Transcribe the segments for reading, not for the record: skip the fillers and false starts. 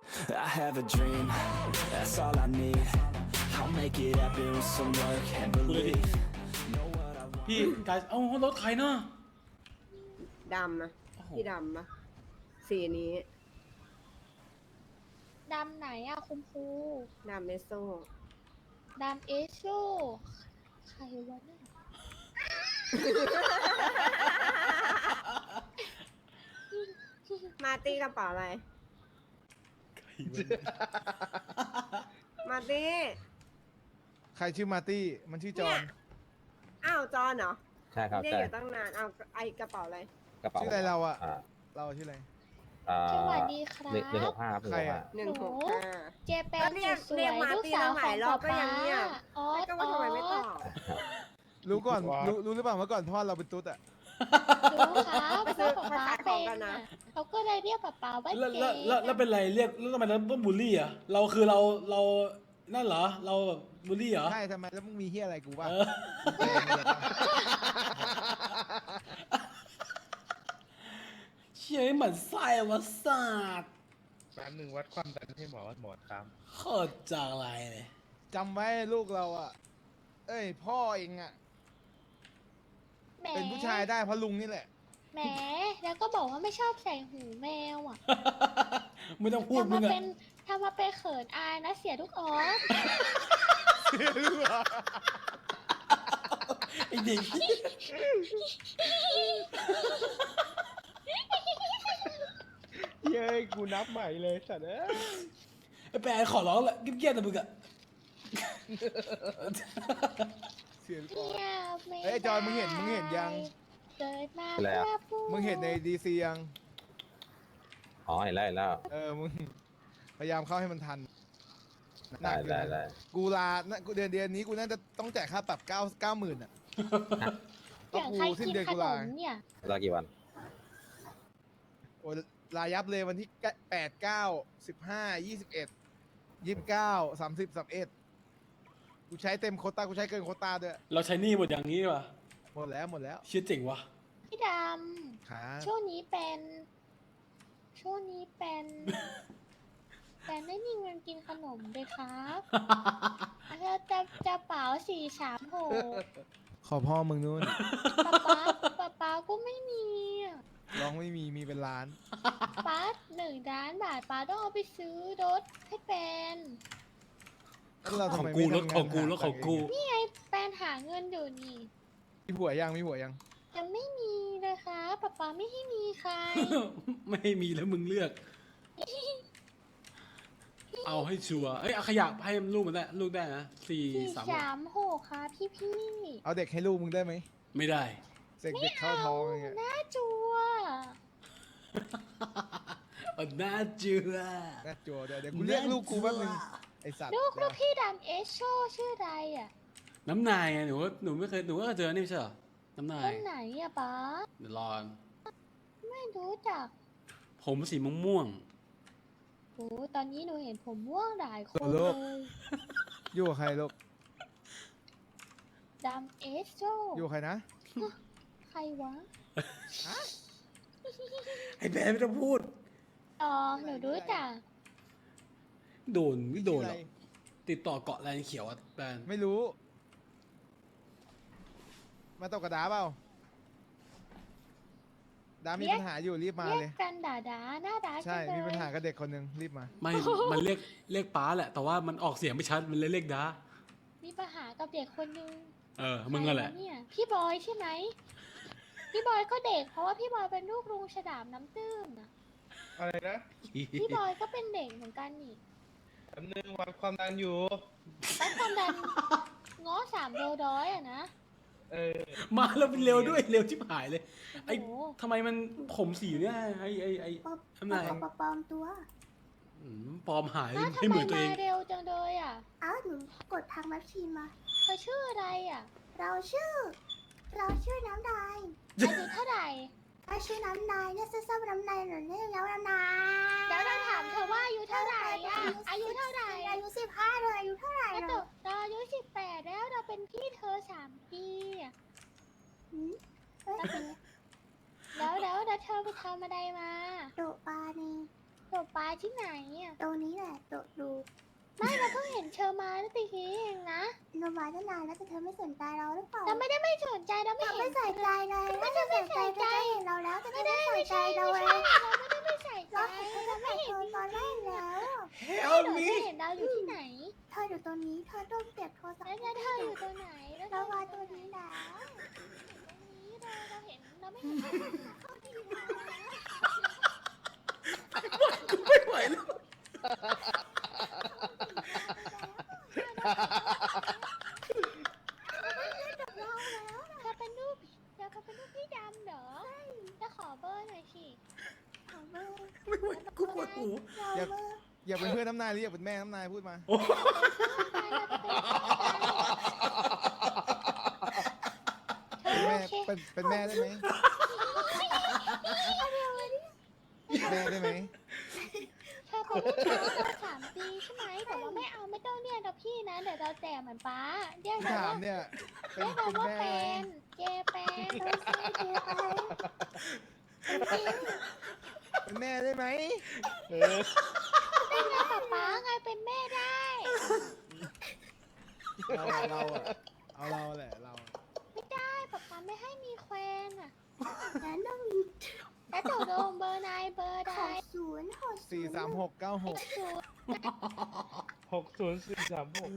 I have a dream, that's all I need. I'll make it happen with some work and belief. Know what I want. พี่กายเอารถใครเนาะดำนะโอ้โหพี่ดำปะสีนี้ดำไหนอะคุณครูดำเมโซดำเอโซใครวะเนี่ยมาร์ตี้กระเป๋าอะไร มาร์ตี้ใครชื่อมาร์ตี้ มันชื่อจอห์นอ้าวจอนเหรอใช่ครับเรียกใช่อยู่ตั้งนานเอาไอกระเป๋าอะไรกระเป๋าชื่ออะไรเราอะอ่าเราชื่ออะไรสวัสดีครับ 165ครับใครอะเจแปนก็เรียกสวเรียยกๆมาลูกตี้สาวตั้งหขลาอย งรอป๊าบก็ยังเงียบออแล้วก็ว่าทำไมไม่ตอบรู้ก่อนรู้หรือเปล่าเมื่อก่อนพ่อเราเป็นตุ๊ดอะรู้ครับไปซื้พ่ออป๊ามาขายขเป็องนกันนะเขาก็เลยเรียกป๊าว่าแล้วเจแล้วเป็นไรเรียกแล้วทำไมเราต้องบูลลี่อ่ะเราคือเรานั่นเหรอเราแบบบูลลี่เหรอใช่ทำไมแล้วมึงมีเฮียอะไรกูบ้างเออ เชี่ยหมันไส้วะศาสตร์แป๊บหนึ่งวัดความดันให้หมอตามโคตรจังไรเลยจำไว้ลูกเราอะเอ้ยพ่อเองอะแหมเป็นผู้ชายได้เพราะลุงนี่แหละแหมแล้วก็บอกว่าไม่ชอบใส่หูแมวอ่ะไม่ต้องพูดมึงอะทำมาเป็นเขินอายนะเสียทุกออสไอ้เด็กเย้ยกูนับใหม่เลยสัตว์เอ้ยไอ้แปรขอร้องแหละเกี้ยๆแต่มึงอะเสียงก่อนเงียบไม่เอ้ยจอยมึงเห็นยังเกิดมาอะไรอะเพื่อพูดมึงเห็นในดีซียังอ๋อเห็นแล้วเห็นแล้วมึงพยายามเข้าให้มันทันหนัได้กอยู่ได้นะได้กูลากูเดือนนี้กูน่าจะต้องจ่ายค่าปรับ90,000อะอย่างใครกินขนมเนี่ยรอกี่วันโอ้ยลายับเลยวันที่8 9 15 21 29 30 31กูใช้เต็มโควต้ากูใช้เกินโควต้าด้วยเราใช้หนี่หมดอย่างนี้ดีกว่าหมดแล้วเชี่ยเจ๋งวะพี่ดขาำช่วงนี้เป็นไม่มีเงินกินขนมเลยครับแล้วจะเป๋า436 ขอพ่อมึงนู่นป๊าก็ไม่มีอะร้องไม่มีเป็นล้านป๊า1 ล้านบาทป๊าต้องเอาไปซื้อรถให้แปนแล้วเราขทำองไมกูไม่รถทำของกูานรถของกูหาตังค์เนี่ไงแปนหาเงินอยู่นี่มีผัวยังยังไม่มีเลยครับป๊าไม่ให้มีใครไม่ให้มีแล้วมึงเลือก เอาให้ชัวร์เอ้ยเอาขยะให้ลูกมันได้ลูกได้นะ436 436ครับพี่เอาเด็กให้ลูกมึงได้ไหมไม่ได้เสกเด็กเข้าท้องอย่างเงี้ยน่าจัวน่าเจือน่าจัวเดี๋ยวกูเรียกลูกกูแป๊บนึงไอสัตว์ลูกพี่ดำเอชโชชื่ออะไรอ่ะน้ำนายไงหนูว่าหนูไม่เคยหนูก็เคยเจอนี่ไม่ใช่เหรอน้ำนาคยนไหนอ่ะป๊าเดี๋ยวรอไม่รู้จักผมสีม่วงโอ้ตอนนี้หนูเห็นผมม่วงหลายคนเลยอยู่กับใครลูกดำเอชโชอยู่กับใครนะใครวะๆไอ้แบนไม่ต้องพูดอ๋อหนูรู้จักโดนไม่โดนหรอกชื่อติดต่อเกาะแลนด์เขียวอะแบนไม่รู้ มาตกกระดาเปล่าดามีปัญหาอยู่รีบมาเรียเลยกกันด่าหน้าด่าใช่จังเลยมีปัญหากับเด็กคนหนึ่งรีบมาไม่ มันเรียกป้าแหละ แต่ว่ามันออกเสียงไม่ชัดมันเลยเรียกด้ามีปัญหากับเด็กคนนึงมึงก็แหละใครวเนี่ยพี่บอยใช่ไหมพี่บอยก็เด็กเพราะว่าพี่บอยเป็นลูกลุงฉลามน้ำตื้มนะอะไรนะพี่บอยก็เป็นเด็กเหมือนกันนี่แป๊บหนึงวัดความดันอยู่ตั้งความดันง้อ3 โลร้อยอะนะมาแล้วมันเร็วด้วยเร็วชิบหายเลย ไอ้โอ้โหทำไมมันผมสีเนี่ยไอ้ทำไมปลอมตัวปลอมหายอ้าวให้ทำเหไมมือนตัวเอมาง เร็วจังเลยอ่ะอ้าวหนูกดทางแมชชีนมาเธอชื่ออะไรอ่ะเราชื่อน้ำลายอายุเท่าไหร่เราชื่อน้ำลายเนี่ยซ้ำๆน้ำลายหนูเนี่ยแล้วน้ำลายแล้วเราถามเธอว่าอายุเท่าไหร่อ่ะอายุเท่าไหร่อายุ15เลยอายุเท่าไหร่ก็เหตรอกเราอายุ18แล้วเราเป็นพี่เธอ3 ปีอะหืมเอ้ยแล้วเธอไปทำอะไรมาโดปลานี่ตกปลาที่ไหนอ่ะตรงนี้แหละตกดูไม่เราเพิ่งเห็นเชอมาเมื่อตะกี้เองนะโนมาตั้งนานแล้วแต่เธอไม่สนใจเราหรือเปล่าเราไม่ได้ไม่สนใจเราไม่เธอเห็ไม่นใส่ใจเลยถ้าเธอใส่ใจเธอจะเห็นเราแล้วแต่เธอไม่ใส่ใจเราเองเราไม่ได้ไม่ใส่ใจเราเห็นเธอตั้งแต่เธอตอนแรกแล้ว Help เรา me จะเห็นเราอยู่ที่ไหนเธออยู่ตรงนี้เธอต้องเก็บโทรศัพแล้วท์จะเธออยู่ตัวไหนแล้วเรามาตัวนี้แล้วนี้เราเห็นเราไม่เห็นไม่ไหวแล้วเธอเป็นรูปพี่ดำเหรอจะขอเบอร์หน่อยสิขอเบอร์ไม่ไหวกูปวดหูเราเบอร์อยากเป็นเพื่อนน้ำนายหรืออยากเป็นแม่น้ำนายพูดมาโอ้เป็นแม่ได้ไหมแม่ได้ไหมเธอเป็นลูกชายเรา3 ปีใช่ไหมแต่ว่าไม่เอาไม่ต้องเรียกเราพี่นะเดี๋ยวเราแจกเหมือนป้าเรียกที่เราถามว่าเนี่ยเรียกเราว่าแม่แฟไหมนเจแปนเป็นแม่ได้ไหมเออเป็นไงป้าไงเป็นแม่ได้เราเอาเราแหละเราไม่ได้ป้าไม่ให้มีแควนอ่ะแล้วต้องแล้วตกลงเบอร์นายเบอร์ใด 43696 60436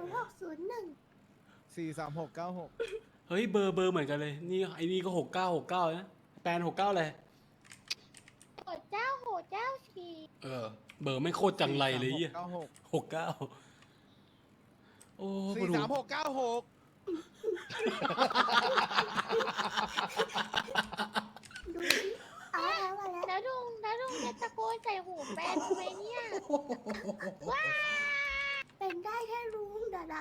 43696 เฮ้ยเบอร์เหมือนกันเลย นี่ไอ้นี่ก็6969นะแปน69เลยโหดเจ้าชีเออ เบอร์ไม่โคตรจังไรเลยอ่ะ 43696 69โอ้ปวดหู 43696 ดูสิเอาแล้วมาแล้วแล้วลุงจะตะโกนใส่หูแฟนทำไมเนี่ยว้าเป็นได้แค่รู้เดี๋ยวนะ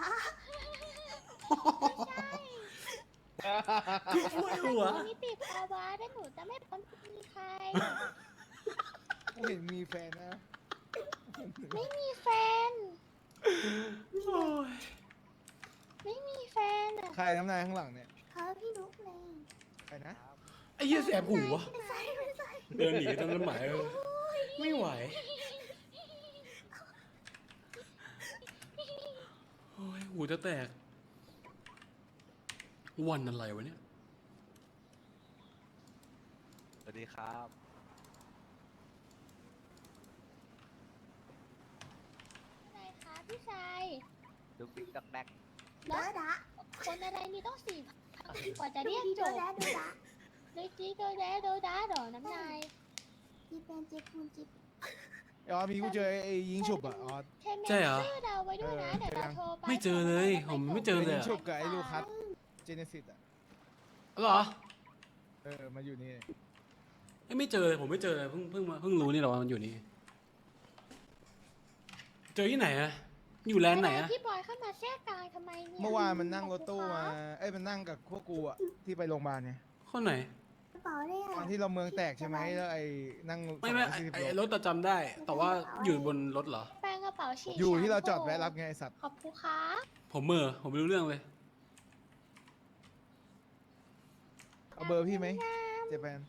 ปวดหัวนี่ติดภาวะแต่หนูจะไม่พ้นมีใครกูเห็นมีแฟนนะไม่มีแฟนโอ้ยไม่มีแฟนอ่ะใครน้ำนายข้างหลังเนี่ยเขาพี่นุ๊กเลยใครนะไอ้เหี้ยแสบหูวะไม่ใช่ไม่ใช่เดินหนีต้นไม้ไม่ไหวโอ้ยหูจะแตก วันอะไรวะเนี่ยสวัสดีครับอะไรคะพี่ชายดุกดิกดักแดกเดี๋ยวนะคนอะไรนี่ต้อง4,000กว่าจะเรียกจเดี๋ยวบนะเดี๋ยวนะเลยจีโดแดโดดาดอน้ำนายจีเป็นจีคูณจีอ๋อมีกูเจอไอ้ยิงฉุบอ่ะอ๋อใช่ไหมใช่เหรอชื่อเราไว้ด้วยนะเดี๋ยวเราโทรไปไม่เจอเลยผมไม่เจอเลยยิงอะฉุบกับไอ้ลูคัสเจเนซิสอ่ะเหรอมาอยู่นี่ไม่เจอเลยผมไม่เจอเลยเพิ่งรู้นี่หรอว่ามันอยู่นี่ เจอที่ไหนอะอยู่แลนด์ไหนอะพี่บอยเข้ามาแทรกกลางทำไมเนี่ยเมื่อวานมันนั่งรถตู้มา มันนั่งกับพวกกูอ่ะที่ไปโรงพยาบาลไงข้อไหนกระเป๋าได้ตออะนที่เราเมืองแตกใช่ไหมแล้วไอ้นั่งไม่ 240 ไอ้โลรถจำได้ แต่ว่าอยู่บนรถเหรอแปลงกระเป๋าฉีกอยู่ที่เราจอดแวะรับไงไอ้สัตว์ขอบคุณครับผมผมไม่รู้เรื่องเลยเอาเบอร์พี่ไหมเจแปน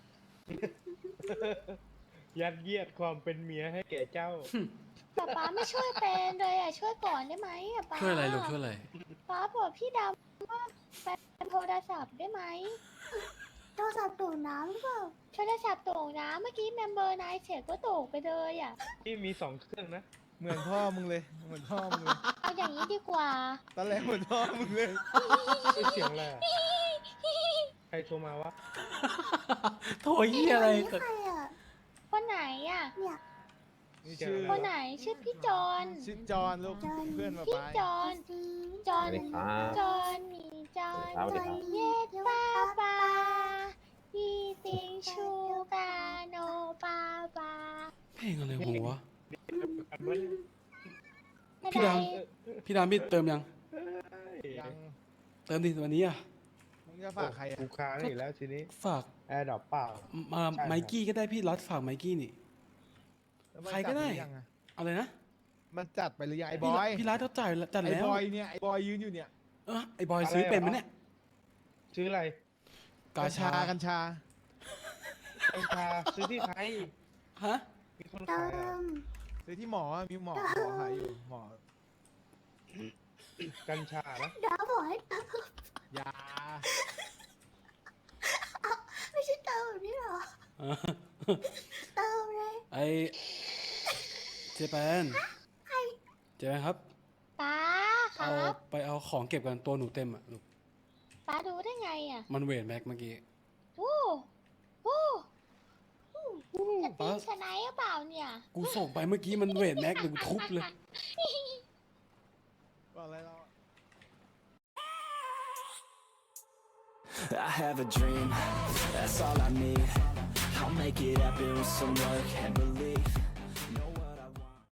ยัดเยียดความเป็นเมียให้แก่เจ้าป๊าไม่ช่วยเป็นเลยอ่ะช่วยก่อนได้ไหมอ่ะป๊าช่วยอะไรลูกช่วยอะไรป๊าบอกพี่ดำว่าเป็นโทรศัพท์ได้ไหมโทรศัพท์ตูดน้ำหรือเปล่าโทรศัพท์ตกนะเมื่อกี้เมมเบอร์นายเสร็จก็ตกไปเลยอ่ะที่มี2 เครื่องนะเหมือนพ่อมึงเลยเหมือนพ่อมึงเลยเอาอย่างนี้ดีกว่าตอนแรกเหมือนพ่อมึงเลยเสียงอะไรอะใครโทรมาวะโถยี่อะไรนี่ใครอ่ะคนไหนอ่ะเนี่ยนี่ชื่อคนไหนชื่อพี่จอนชื่อจอนลูกเพื่อนมาพี่ไปจอนจีจอนสวัสดีครับจอนมีจอนสวัสดีครับเย็ดป้าป้ายีติงชูกาโนป้าป้าเพลงอะไรของวะกันวะเนี่ยพี่ดำ พี่เติมยังยังเติมดิวันนี้อะมึงจะฝากใครอ่ะกูค้างอีกแล้วทีนี้ฝากแอร์ดรอปเปล่ามาใช่ครับไมกี้ก็ได้พี่รัดฝากไมกี้นี่แล้วมันใครก็ได้จัหอยังอะอะไรนะมันจัดไปหรือยังไอ้บอยพี่รัดเขาจ่ายจัดไอ้แล้วบอยเนี่ยไอ้บอยยืนอยู่เนี่ยไอ้บอยซื้อเป็นไหมเนี่ยซื้ออะไรกาชากัญชากัญชาซื้อที่ไทยฮะมีคนเติขายอ่ะมซื้อที่หมอมีหมอขายอยู่หมอกัญชานะเดี๋ยวบอกให้เติมยาไม่ใช่เติมแบบนี้หรอ เติมเลยไอเจแปนเจแปนครับป้าคเอารับไปเอาของเก็บกันตัวหนูเต็มอ่ะลูกป้าดูได้ไงอ่ะมันเวทแม็กเมื่อกี้โอ้โหจะตีป้าชนะหรือเปล่าเนี่ยกูส่งไปเมื่อกี้มันเวทแม็กเดี๋ยวกูทุบเลยว่าอะไรเรา I have a dream, that's all I need. I'll make it happen with some work and belief.